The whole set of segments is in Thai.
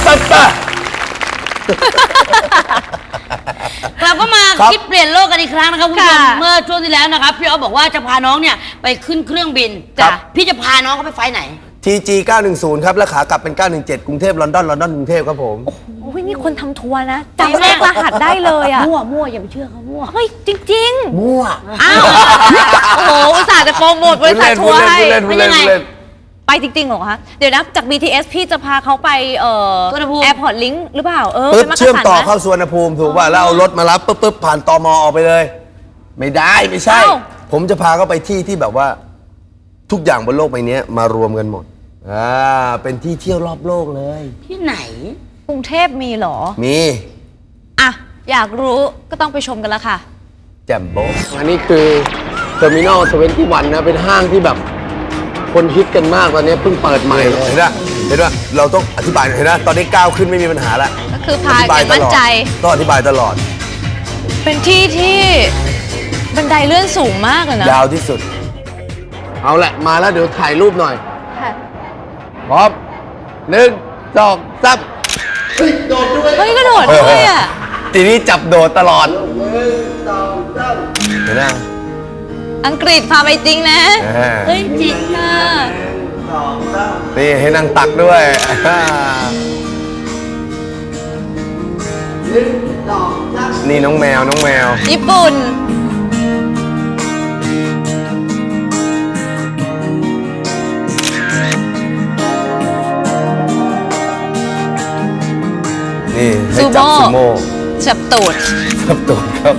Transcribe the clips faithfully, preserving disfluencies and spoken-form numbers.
ปั๊บปั๊บเราก็มาคิดเปลี่ยนโลกกันอีกครั้งนะครับคุณผู้ชมเมื่อช่วงที่แล้วนะครับพี่อ๊อฟบอกว่าจะพาน้องเนี่ยไปขึ้นเครื่องบินจ้ะพี่จะพาน้องเขาไปไฟไหนที จี เก้าหนึ่งศูนย์ ครับและขากลับเป็นเก้าหนึ่งเจ็ดกรุงเทพลอนดอนลอนดอนกรุงเทพครับผมโอ้ยนี่คนทำทัวร์นะจำเลขรหัสได้เลยอ่ะมั่วมั่วอย่าไปเชื่อเขามั่วเฮ้ยจริงๆมั่วอ้าวโอ้โหอุตส่าห์จะโปรโมทบริษัททัวร์ให้เป็นยังไงไปจริงๆเหรอคะเดี๋ยวนะจาก บี ที เอส พี่จะพาเขาไปเอ่อแอร์พอร์ตลิงก์หรือเปล่าเออปึ๊บเชื่อมต่อเข้าสุวรรณภูมิถูกป่ะแล้วเอารถมารับปึ๊บปึ๊บผ่านตม.ออกไปเลยไม่ได้ไม่ใช่ผมจะพาเขาไปที่ที่แบบว่าทุกอย่างบนโลกใบนี้มารวมกันหมดอ่าเป็นที่เที่ยวรอบโลกเลยที่ไหนกรุงเทพมีเหรอมีอ่ะอยากรู้ก็ต้องไปชมกันแล้วค่ะแจ่มโบ๊ะอันนี้คือเทอร์มินอลทเวนตี้วันนะเป็นห้างที่แบบคนฮิตกันมากตอนนี้เพิ่งเปิดใหม่เห็นไหมเห็นไหมเราต้องอธิบายเห็นไหมตอนนี้ก้าวขึ้นไม่มีปัญหาแล้วก็คือพาอย่างมั่นใจต้องอธิบายตลอดเป็นที่ที่บันไดเลื่อนสูงมากเลยนะยาวที่สุดเอาแหละมาแล้วเดี๋ยวถ่ายรูปหน่อยพร้อมหนึ่งสองสามเฮ้ยโดดด้วยเฮ้ยก็โดดด้วยอ่ะทีนี้จับโดดตลอดหนึ่งสองสามเห็นไหมอังกฤษพาไปจริงนะเฮ้ยจริงอ่ะนี่ให้นั่งตักด้วยนี่น้องแมวน้องแมวญี่ปุ่นนี่ให้จับซูโม่จับตูดจับตูดครับ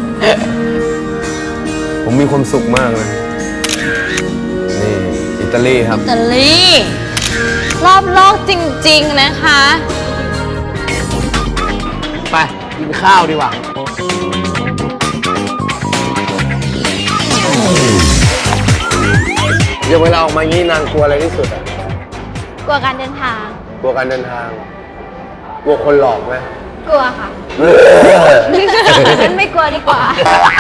ผมมีความสุขมากเลยนี่อิตาลีครับอิตาลีรอบโลกจริงๆนะคะไปกินข้าวดีกว่าเดี๋ยวเวลาออกมางี้นางกลัวอะไรที่สุดอ่ะกลัวการเดินทางกลัวการเดินทางกลัวคนหลอกไหมกลัวค่ะงั้นไม่กลัวดีกว่า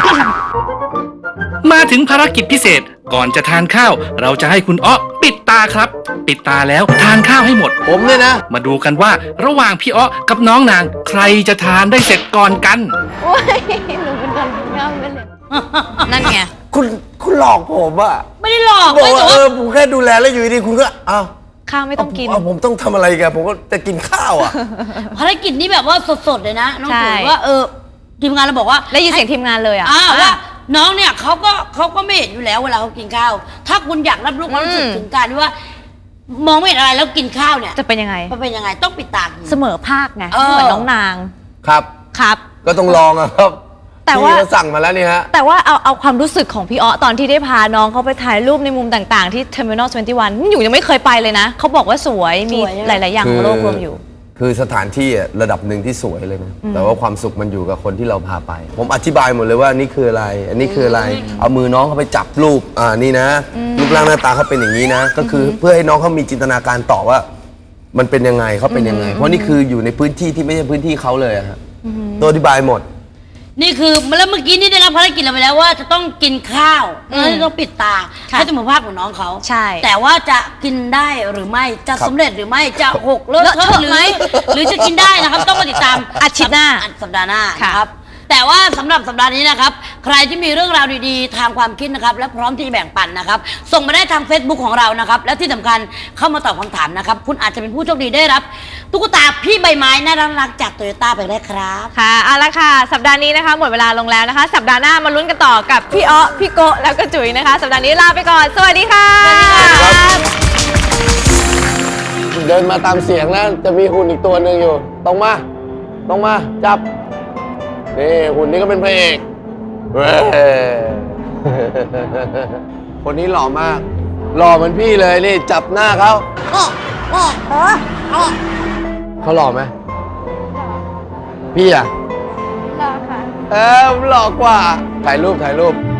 มาถึงภารกิจพิเศษก่อนจะทานข้าวเราจะให้คุณอ๊อปิดตาครับปิดตาแล้วทานข้าวให้หมดผมเนี่ยนะมาดูกันว่าระหว่างพี่อ๊อกับน้องนางใครจะทานได้เสร็จก่อนกันโอ้ยหนูเป็นคนง่ายไปเลยนั่นไงคุณคุณหลอกผมอะไม่ได้หลอกบอกว่าเออผมแค่ดูแลแล้วอยู่ดีคุณก็อ้าวข้าวไม่ต้องกินผมต้องทำอะไรกันผมก็จะกินข้าวอ่ะภารกิจนี้แบบว่าสดๆเลยนะน้องถือว่าเออทีมงานเราบอกว่าได้ยินเสียงทีมงานเลยอ่ะว่าน้องเนี่ยเขาก็เขาก็ไม่เห็นอยู่แล้วเวลาเขากินข้าวถ้าคุณอยากรับรู้ความรู้สึกถึงการที่ว่ามองไม่เห็นอะไรแล้วกินข้าวเนี่ยจะเป็นยังไงจะเป็นยังไงต้องปิดตาเสมอภาคไงเหมือนน้องนางครับครับก็ต้องลองอะครับแต่ว่าสั่งมาแล้วนี่ฮะแต่ว่าเอาเอาความรู้สึกของพี่อ๊อตอนที่ได้พาน้องเขาไปถ่ายรูปในมุมต่างๆที่ Terminal ทเวนตี้วันอยู่ยังไม่เคยไปเลยนะเขาบอกว่าสวยมีหลายๆอย่างของโลกรวมอยู่คือสถานที่ระดับหนึ่งที่สวยเลยนะแต่ว่าความสุขมันอยู่กับคนที่เราพาไปผมอธิบายหมดเลยว่านี่คืออะไรอันนี้คืออะไรเอามือน้องเขาไปจับรูปอ่านี่นะรูปร่างหน้าตาเขาเป็นอย่างนี้นะก็คือเพื่อให้น้องเขามีจินตนาการต่อว่ามันเป็นยังไงเขาเป็นยังไงเพราะนี่คืออยู่ในพื้นที่ที่ไม่ใช่พื้นที่เขาเลยฮะตัวอธิบายหมดนี่คือแล้วเมื่อกี้นี่ได้รับภารกิจเราไปแล้วว่าจะต้องกินข้าวแล้วต้องปิดตาให้จมูกภาพของน้องเขาใช่แต่ว่าจะกินได้หรือไม่จะสำเร็จหรือไม่จะหกเลอะเทอะหรือหรือจะกินได้นะครับต้องมาติดตามอาทิตย์หน้าสัปดาห์หน้าครับแต่ว่าสำหรับสัปดาห์นี้นะครับใครที่มีเรื่องราวดีๆทางความคิดนะครับและพร้อมที่จะแบ่งปันนะครับส่งมาได้ทาง Facebook ของเรานะครับและที่สำคัญเข้ามาตอบคำถามนะครับคุณอาจจะเป็นผู้โชคดีได้รับตุ๊กตาพี่ใบไม้น่ารักจากโตโยต้าไปได้ครับค่ะเอาละค่ะสัปดาห์นี้นะคะหมดเวลาลงแล้วนะคะสัปดาห์หน้ามาลุ้นกันต่อกับพี่อ๊อพี่โกแล้วก็จุ๋ยนะคะสัปดาห์นี้ลาไปก่อนสวัสดีค่ะเดินมาตามเสียงแล้วจะมีหุ่นอีกตัวหนึ่งอยู่ตรงมาตรงมาจับนี่หุ่นนี้ก็เป็นพระเอกคนนี้หล่อมากหล่อเหมือนพี่เลยนี่จับหน้าเขาเขาหล่อไหมพี่อ่ะหล่อค่ะเออหล่อกว่าถ่ายรูปถ่ายรูป